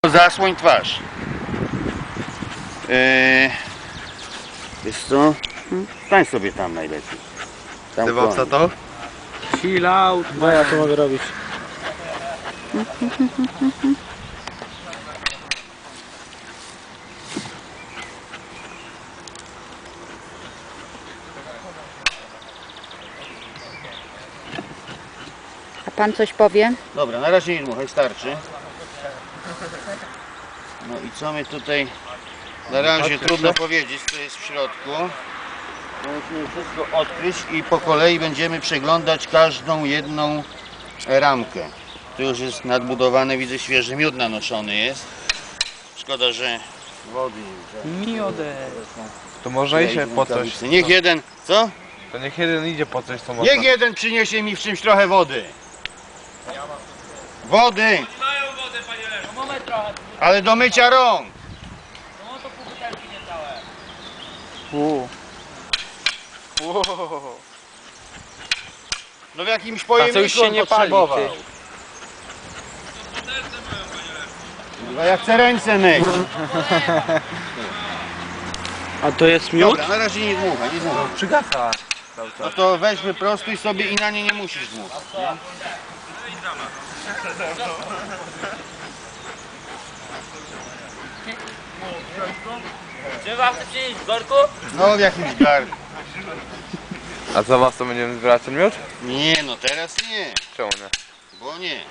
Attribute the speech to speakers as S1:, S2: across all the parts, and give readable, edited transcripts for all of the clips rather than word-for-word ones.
S1: Zasłoń twarz. Wiesz co? Stań sobie tam najlepiej. Tam
S2: Dywowca to?
S3: Chill out. No ja to mogę robić.
S4: A pan coś powie?
S1: Dobra, na razie nie dmuchaj, starczy. No i co my tutaj... Na razie trudno powiedzieć, co jest w środku. Musimy wszystko odkryć i po kolei będziemy przeglądać każdą jedną ramkę. Tu już jest nadbudowane, widzę, świeży miód nanoszony jest. Szkoda, że wody nie
S3: Miodę.
S2: To może iść po coś.
S1: Niech jeden... Co?
S2: To niech jeden idzie po coś, co można.
S1: Niech jeden przyniesie mi w czymś trochę wody. Wody!
S5: Mają wodę, panie Leszku. No mamy trochę.
S1: Ale do mycia rąk!
S5: No to pół butelki niecałe.
S1: No w jakimś
S3: A to już
S1: pojemniku
S3: się
S1: on
S3: nie pali,
S1: potrzebował.
S3: ty.
S1: No ja chcę ręce myć.
S3: A to jest miód?
S1: Dobra, na razie nie dmuchaj, nie dmuchaj.
S2: Przygasa.
S1: No to weź wyprostuj sobie i na nie nie musisz dmuchać. Nie?
S5: Czy wam chce przynieść w worku?
S1: No w jakimś garnku.
S2: A za was to będziemy zbierać ten miód?
S1: Nie, no teraz nie.
S2: Czemu nie?
S1: Bo nie.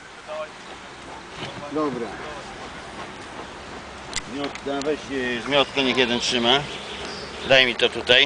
S1: Dobra. Zmiotka, weź zmiotkę, niech jeden trzyma. Daj mi to tutaj.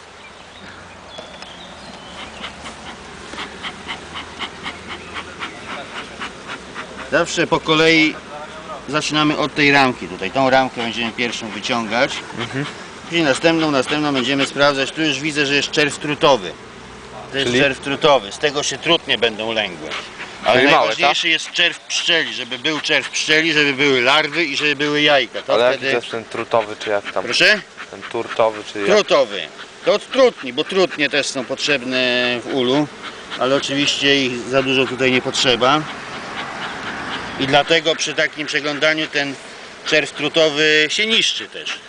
S1: Zawsze po kolei zaczynamy od tej ramki tutaj. Tą ramkę będziemy pierwszą wyciągać. Później następną będziemy sprawdzać. Tu już widzę, że jest czerw trutowy. To jest
S2: Czyli?
S1: czerw trutowy. Z tego się trutnie będą lęgły. Ale
S2: Czyli małe,
S1: najważniejszy jest czerw pszczeli, żeby był czerw pszczeli, żeby były larwy i żeby były jajka. To
S2: Ale jaki to
S1: wtedy...
S2: jest ten trutowy, czy jak tam?
S1: Proszę?
S2: Ten turtowy, czy jak?
S1: Trutowy. To od trutni, bo trutnie też są potrzebne w ulu, ale oczywiście ich za dużo tutaj nie potrzeba. I dlatego przy takim przeglądaniu ten czerw trutowy się niszczy też.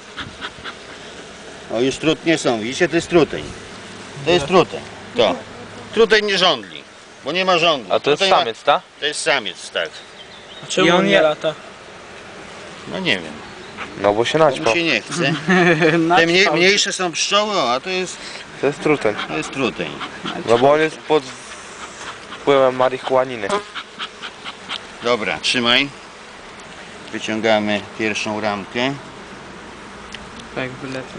S1: O, już trutnie są, widzicie, to jest truteń. To jest truteń. To. Truteń nie żądli, bo nie ma żądli.
S2: A to jest
S1: Truteń ma-
S2: samiec, tak?
S1: To jest samiec, tak.
S3: A czemu I on on nie nie lata?
S1: No nie wiem,
S2: No bo się
S1: bo
S2: naćpał.
S1: mu się nie chce. Te mniejsze są pszczoły, a to jest
S2: To jest truteń. No bo on jest pod wpływem marihuaniny.
S1: Dobra, trzymaj. Wyciągamy pierwszą ramkę.
S3: Tak, wylecę.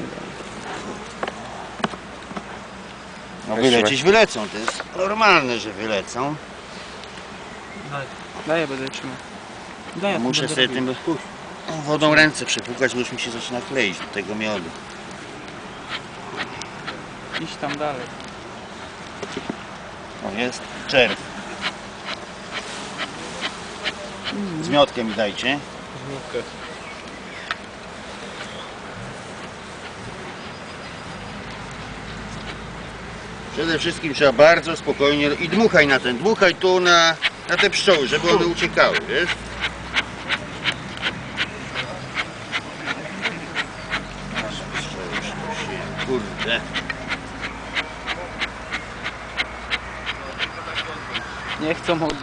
S1: No
S2: Weźmy.
S1: wylecieć wylecą, to jest normalne, że wylecą.
S3: Daj, ja będę trzymał. Daj, ja
S1: Muszę
S3: będę
S1: sobie
S3: robił.
S1: tym wodą ręce przepłukać, bo już mi się zaczyna kleić do tego miodu.
S3: Idź tam dalej.
S1: O, jest czerw. Zmiotkę mi dajcie. Przede wszystkim trzeba bardzo spokojnie i dmuchaj na ten, dmuchaj tu na te pszczoły, żeby one uciekały, wiesz? Kurde.
S3: Nie chcą